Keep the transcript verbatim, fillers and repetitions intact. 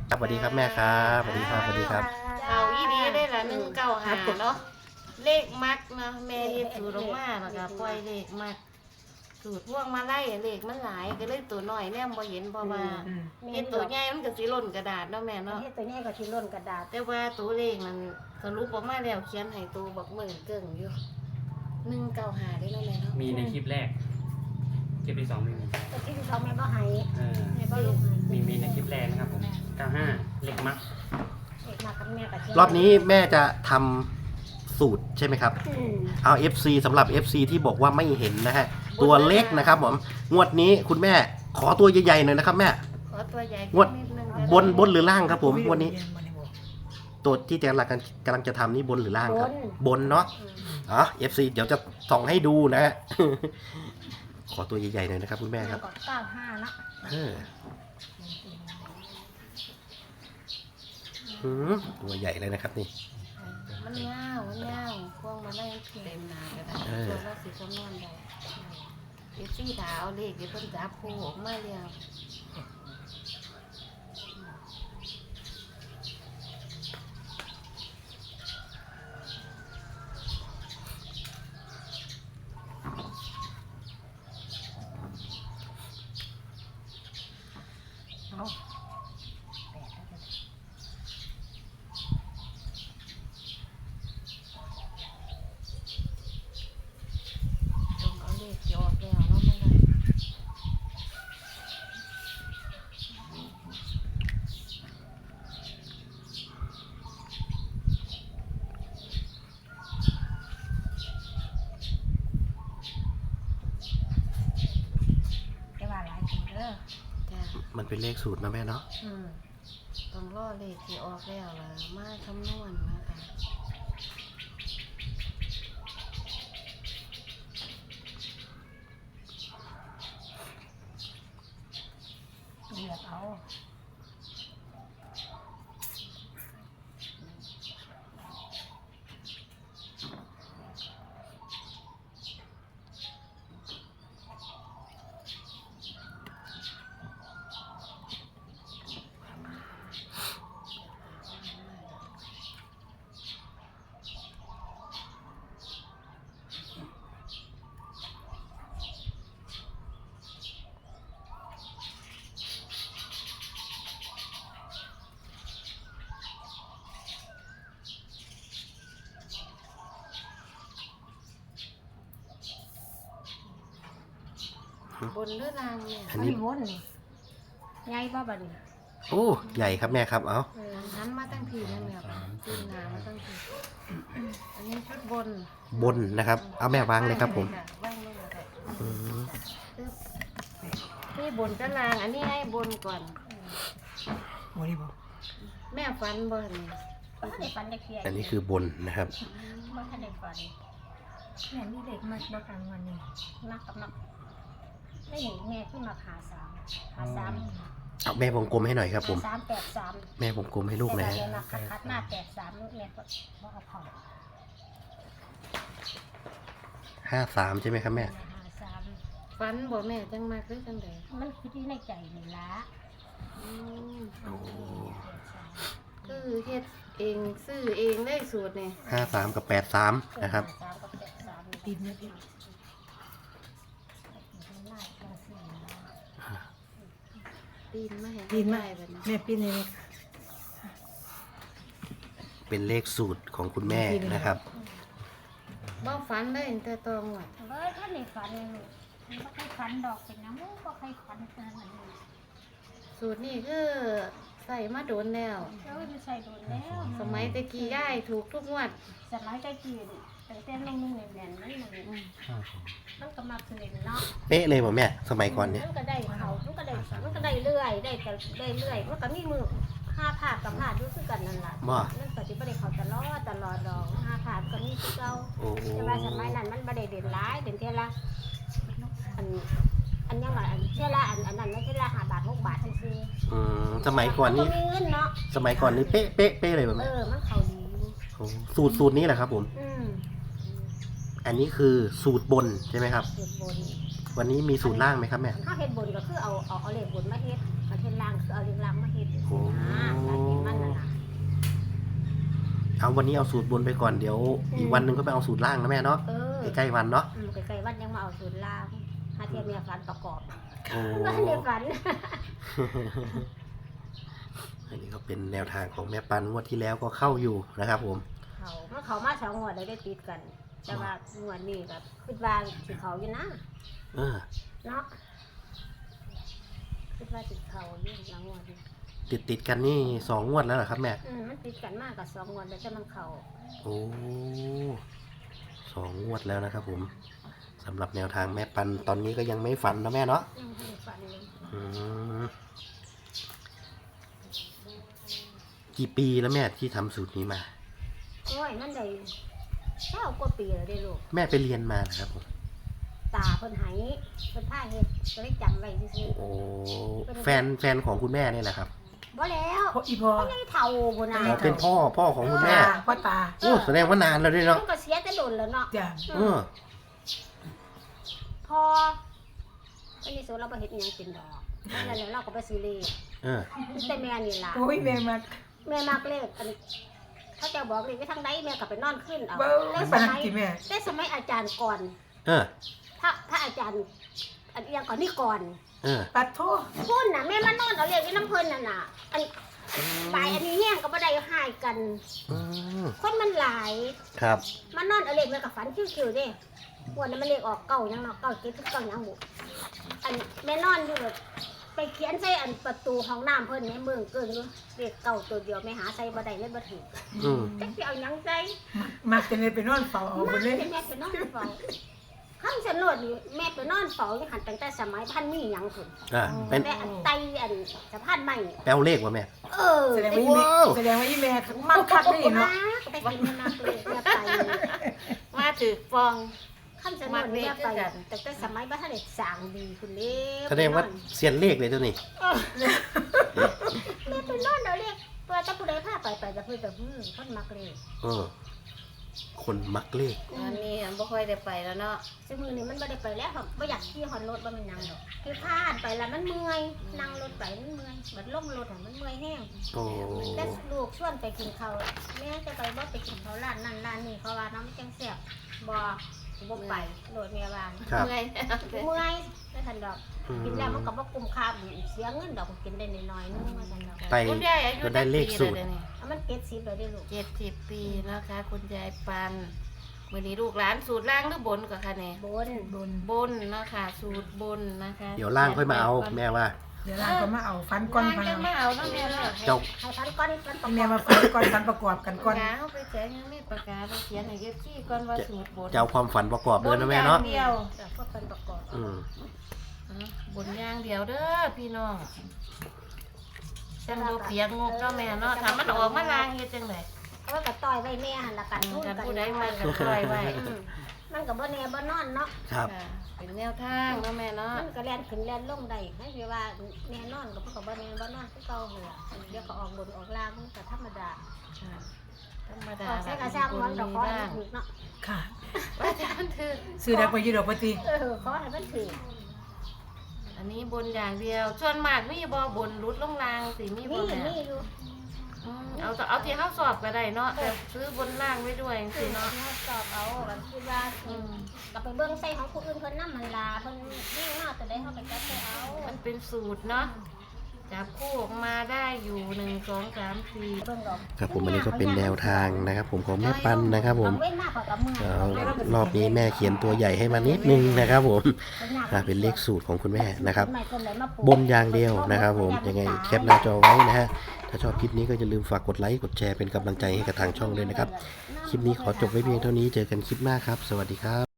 สวัสดีครับแม่ครับสวัสดีครับสวัสดีครับเอาอีดีได้ละหนึ่งเก้าหาเนาะเลขมักเนาะแม่เฮ็ดสูตรออกมาแล้วก็ปล่อยเลขมักสูตรพวกมาไล่เลขมันหลายก็เลยตัวน้อยแนมบ่เห็นเพราะว่าเฮ็ดตัวใหญ่มันก็สิหล่นกระดาษเนาะแม่เนาะเฮ็ดตัวนี้ก็สิล้นกระดาษแต่ว่าตัวเลขมันสรุปออกมาแล้วเขียนให้ตัวบักเหมือนเกิ่งอยู่หนึ่งเก้าหาได้เนาะแม่เนาะมีในคลิปแรก คลิปที่สองไม่มีแต่ที่เขาแม่บ่ให้เออแม่บ่ลงให้มีมีในคลิปแรกนะครับผมเก้าห้าเล็กมักเอกมากับแม่ก็เชื่รอบนี้แม่จะทำสูตรใช่ไหมครับอืมเอา เอฟ ซี สำหรับ เอฟ ซี ที่บอกว่าไม่เห็นนะฮะตัวเล็กนะครับผมงวดนี้คุณแม่ขอตัวใหญ่ๆหน่อยนะครับแม่ขอตัวใหญ่งวดนิดนึงบนบนหรือล่างครับผมงวันนี้ ตัวที่กำลังกำลังจะทำนี่บนหรือล่างครับ บนเนาะอืมอ๋อ เอฟ ซี เดี๋ยวจะส่องให้ดูนะฮะ ขอตัวใหญ่ๆหน่อยนะครับคุณแม่ครับก็เก้าห้านะเออหือตัวใหญ่เลยนะครับนี่มันยาวมันยาวพวงมาได้เต็มหนาก็ได้เออตัวละสิคำนวณได้เอฟซีถาเอาเลขเดี๋ยวเพิ่นจับคู่ออกมาแล้วเอาจงเอาเลขที่ออกแล้วเนาะไม่ได้แต่ว่าหลายคนเด้อจ้ะมันเป็นเลขสูตรนะแม่เนาะอืมต้องรอเลขที่ออกแล้วล่ะมาคำนวณนะคะเลือกเอาบนหรือล่างเนี่ยอันอันนี้นี้วนนี่ใหญ่บ่บัดนี้โอ้ใหญ่ครับแม่ครับเอาเออหันมาตั้งทีนั่นแหละตีนหนามาตั้งทีอันนี้ชุดบนบนนะครับ เอาแม่วางเลยครับผมวางเลยค่ะอืมตึ๊บนี่บนกับล่างอันนี้ให้บนก่อนโอ้นี่บอกแม่ฟันบนบ่ทันได้ฟันได้เคลียร์อันนี้คือบนนะครับบ่ทันได้ฟันแม่มีเด็กมากบ่กลางวันนี่นักกับนักได้หนีแม่ขึ้นมาหาสามหาสามเอาแม่วงกลมให้หน่อยครับผมหาสามแปดสามแม่วงกลมให้ลูกหนะฮะแต่ว่าเรียนมาคัดคัดหน้าแปดสามแม่ก็บ่เอาเข้าห้าสามใช่ไหมครับแม่หาสามฟันบ่แม่จังมากหรือจังใดมันคือที่ในใจนี่ละอืมโอ้คือเฮ็ดเองซื้อเองได้สูตรนี่ห้าสามกับแปดสามนะครับสามกับแปดสามปีนเนี่ยพี่ปีนมาให้ปีนมาได้แบบนี้แม่ปีนเลยเป็นเลขสูตรของคุณแม่นะครับบ่ฟันได้ตั้งแต่ตองว่ะเฮ้ยท่านในฝันเลยลูกมันก็ใครฝันดอกเป็นน้ำมูกก็ใครฝันขนาดนั้นเลยสูตรนี่คือใส่มาโดนแล้วเอ้ยไม่ใช่โดนแล้วสมัยตะกี้ย่ายถูกทุกงวดสมัยใกล้กินแต่เต้นนุ่งๆแน่นๆนั่นมันอืมมันก็มาคืนเนาะเป๊ะเลยผมแม่ สมัยก่อนเนี่ยมันก็ได้เขามันก็ได้มันก็ได้เรื่อยได้แต่ได้เรื่อยมันก็มีมือห้าผาดกับผาดรู้สึกกันนั่นแหละว่านั่นก็จะไม่ได้เขาตลอดตลอดดอกห้าผาดก็มีที่เก่าโอ้แต่ว่าสมัยนั้นมันไม่ได้เด่นร้ายเด่นเท่าละอันอันยังไงอันเท่าละอันอันนั้นไม่เท่าละห้าบาทหกบาทซื่ออืมสมัยก่อนนี้มัมีเงินเนาะสมัยก่อนนี้เป๊ะเป๊ะเป๊ะเลยแบบเอนี้อมันเขาดีโอ้สูตรสูตรนี้แหละครับผมอืมอันนี้คือสูตรบนใช่ไหมครับเฮ็ดบนวันนี้มีสูตรล่างไหมครับแม่ถ้าเฮ็ดบนก็คือเอาเอาเอาเลขบนมาเฮ็ดเอาเฮ็ดล่างคือเอาเลขล่างมาเฮ็ดโอ้นะเอาวันนี้เอาสูตรบนไปก่อนเดี๋ยวอีกวันหนึ่งก็ไปเอาสูตรล่างนะแม่เนาะเออใกล้ๆวันเนาะอืมใกล้ๆวันยังมาเอาสูตรลาวหาเทียมเมียฝันประกอบโอ้ว่าเดียวฝันอันนี้ก็เป็นแนวทางของแม่ปันงวดที่แล้วก็เข้าอยู่นะครับผมเขาเมื่อเขามาสองงวดเลยได้ติดกัน แต่ว่างวดนี้ก็คิดว่าสิเขาอยู่นะเออเนาะคิดว่าสิเขาอยู่หลังงวดนี้ติดติดๆกันนี่สองงวดแล้วเหรอครับแม่อืมมันติดกันมากกับสองงวดแล้วแต่มันเขาโอ้สองงวดแล้วนะครับผมสำหรับแนวทางแม่ปันตอนนี้ก็ยังไม่ฝันนะแม่เนาะยังไม่ได้ฝันเลยอืมกี่ปีแล้วแม่ที่ทำสูตรนี้มาโอ้ยนั่นได้เก้ากว่าปีแล้วได้ลูกแม่ไปเรียนมานะครับผมตาเพิ่นไหเพิ่นผ้าเฮ็ดก็เลยจำไว้ซื่อโอ้แฟนแฟนของคุณแม่นี่แหละครับๆบ่แล้วพ่ออีพอไม่ได้เท่าพุ่นน่ะอ๋อเป็นพ่อพ่อของคุณแม่ตาพ่อตาโอ้แสดงว่านานแล้วด้วยเนาะมันก็เสียแต่โดนแล้วเนาะจ้ะเออพออันนี้สูเราบ่เฮ็ดอิหยังกินดอกนั่นแหละเราก็ไปซื้อเลขเออแต่แม่นี่ล่ะโอ้ยแม่มาแม่มักเลขอันเขาจะบอกเลขไปทางใดแม่ก็ไปนอนขึ้นเอาเบ้แต่อสปานนัมักยกี่แม่แต่สมัยอาจารย์ก่อนเออถ้าถ้าอาจารย์อันเอียงก่อนนี่ก่อนเออปัดโทษพุ่นน่ะแม่มานอนเอาเลขอยู่น้ำเพิ่นน่ะน่ะอันปลายอันนี้แห้งก็บ่ได้หายกันอืมคนมันหลายครับมานอนเอาเลขแม่ก็ฝันคิวๆเด้วันนั้นมันเลขออกเก่ายังเนาะเก่าเจ็ดเก่ายังบุอันแม่นอนอยู่แบบไปเขียนใส่อันประตูห้องน้ำเพิ่นในเมืองเกินอยู่เลขเก่าตัวเดียวแม่หาใส่บ่ได้เลยบ่ถูกอืมจักสิเอาหยังใส่มาจะเลยไปนอนเฝ้าเอานั่ไปนเลยเป็นแม่ไปนอนเฝ้าข้างสนดนี่แม่ไปนอนเฝ้าอยู่หันตั้งแต่สมัยพันมีหยังพุ่นอ่าเป็นแม่อันไตอันสะพานใหม่แปลวเลขวะแม่เออแสดงว่าอีแม่ว้าวแสดงว่าอีแม่มักคักได้เนาะไปกินแม่นักเลยแม่ไปมาถือฟองข้างสนดนี่แม่ไปตั้งแต่สมัยบ้านท่านเด็กสร้างดีคุณเล็กแสดงว่าเสียนเลขเลยตัวนี้แม่ไปนอนเอาเลขตัวตะผู้ใดพาไปไปจะเพิ่นแบบอืมคนมักเลยเออ คนมักเลขอันนี้บ่ค่อยได้ไปแล้วเนาะซึ่งมือนี้มันไม่ได้ไปแล้วครับไม่อยากขี่ฮอนรถบ่แมันยังดอกคือพลาดไปแล้วมันเมื่อยนั่งรถไปมันเมื่อยบัดล่มรถอะมันเมื่อยแห้งโอ้แต่ลูกชวนไปกินข้าวแม่จะไปบ่ไปกินข้าวร้านนั่นร้านนี้เพราะว่าน้ำจังแซ่บบ่บ่ไปโดดแม่ว่าครับเมื่อยเมื่อยไม่ทันดอกอืมกินแล้วมันก็บ่คุ้มค่าเสียเงินดอกกินได้น้อยๆนึงมาทันดอกไปคุณยายอายุก็ได้เลขสูตรจักปีแล้วเดี๋ยวนี้เอามันเก็ดสิบเลยได้ลูกเจ็ดสิบปีนะคะ คุณยายปันมื้อนี้ลูกหลานสูตรล่างหรือบนก็ค่ะเนี่ยบนบนบนเนาะค่ะสูตรบนนะคะเดี๋ยวล่างค่อยมาเอาแม่ว่าเดี๋ยวล่างก็มาเอาฟันก้อนล่างพันจะมาเอาเอาเนาะแม่เนาะเจ้าให้พันก้อนพันประกแม่อบมาฟันก้อนฟันประกอบกันก้ก่ออน นเอาไปแจกยังมีปากกาไปเขียนให้เก็บที่ก่อนว่าสูตรบนจะเอาความฝันประกอบเลยนะแม่เนาะบอย่างเดียวแต่พวกพันประกอบอืมอ่ะบนอย่างเดียวเด้อพี่น้องจังบ่เปียกงกเนาะแม่เนาะถ้ามันออกมาลางเฮ็ดจังได๋เอาไว้กับต่อยไว้แม่หันละกันทุนกันกันผู้ใดมาก็ปล่อยไว้อืมมันก็บ่แน่บ่นอนเนาะครับค่ะเป็นแนวทางเนาะแม่เนาะมันก็แล่นขึ้นแล่นลงได้ให้คือว่าแน่นอนก็บ่ก็บ่แน่บ่นอนคือเก่าหั่นล่ะเดี๋ยวก็ออกบนออกล่างมันก็ธรรมดาค่ะธรรมดาออกใส่กระซ้างมันดอกขอให้มันถูกเนาะค่ะว่าจะมันถือซื้อได้ไปอยืดดอกปฏิเออขอให้มันถูกอันนี้บนอย่างเดียวส่วนมากมีบ่บนรุดลงล่างสิมีบ่นี่แม่นี่อยู่อืมเอาแต่เอาที่เฮาสอบก็ได้เนาะแต่ซื้อบนล่างไว้ด้วยจังคืซี่อเนาะเนาะสอบเอาแบบคิดว่าอืมก็ไปเบิ่งใส่ของผู้อื่นเพิ่นนำมันลาเพิ่นนี่เนาะแต่ได้เฮาไปจัดใส่เอามันเป็นสูตรเนาะจับคู่ออกมาได้อยู่หนึ่งสองสามสี่เบิ่งดอกครับผมอันนี้ก็เป็นแนวทางนะครับ ผมของแม่ปันนะครับผมเอาเว้นมากกว่ากับมือเอารอบนี้แม่เขียนตัวใหญ่ให้มานิดนึงนะครับผมอ่ะเป็นเลขสูตรของคุณแม่นะครับ บนอย่างเดียวนะครับผมยังไงแคปหน้าจอไว้นะฮะถ้าชอบคลิปนี้ก็อย่าลืมฝากกดไลค์กดแชร์เป็นกำลังใจให้กับทางช่องด้วยนะครับ คลิปนี้ขอจบไว้เพียงเท่านี้เจอกันคลิปหน้าครับ สวัสดีครับ